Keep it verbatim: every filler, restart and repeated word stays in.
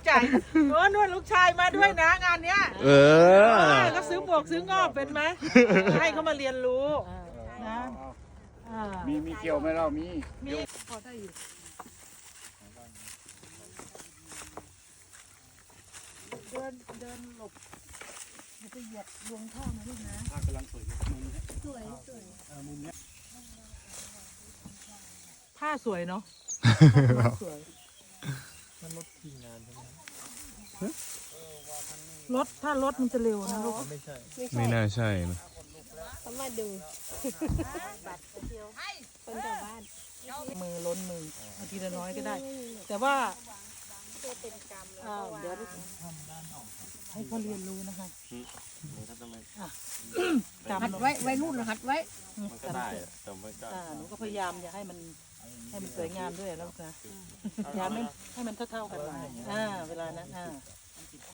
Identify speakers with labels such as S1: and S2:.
S1: ใจโอ้นวดลูกชายมาด้วยนะงานเนี้ย
S2: เออ
S1: ก็ซื้อหมวกซื้องอบเป็นไหมให้เขามาเรียนรู้นะอ่า
S3: มีมีเกี่ยวไหมเรามี
S1: มีพอได้อยู่เดินเดินหลบอย่าไปเหยียบดวงท่อนะลูกนะ
S3: ภาพกำลังสวยมุมนี้
S1: สวยสวย
S3: มุมนี้
S1: ผ้าสวยเนาะสวย
S4: มันรถทีมงานใช่ไหม
S1: รถถ้ารถมันจะเร็วนะลูก
S4: ไม่ใช่
S2: ไม่น่าใช่นะ
S5: เขามาดูบัตรคนเดียวคนชาวบ้าน
S1: มือล้นมือเอาทีละน้อยก็ได้ แต่ว่า
S5: เพื่อเป็นกรรมแล้ว
S1: อ่า
S5: ก็
S1: เดี๋ยว
S5: ว่า
S1: ให้เขาเรียนรู้นะคะ
S4: มันก็จะไม่
S1: จำ
S5: หัดไว้ไว้นู่นหัดไว้
S4: มันก็ได้แต่มันก็
S1: อ่าหนูก็พยายามอย่าให้มันให้มันสวยงามด้วยแล้วนะพยายามให้ให้มันเท่าๆกันหน่อยอ่าเวลานั้นอ่า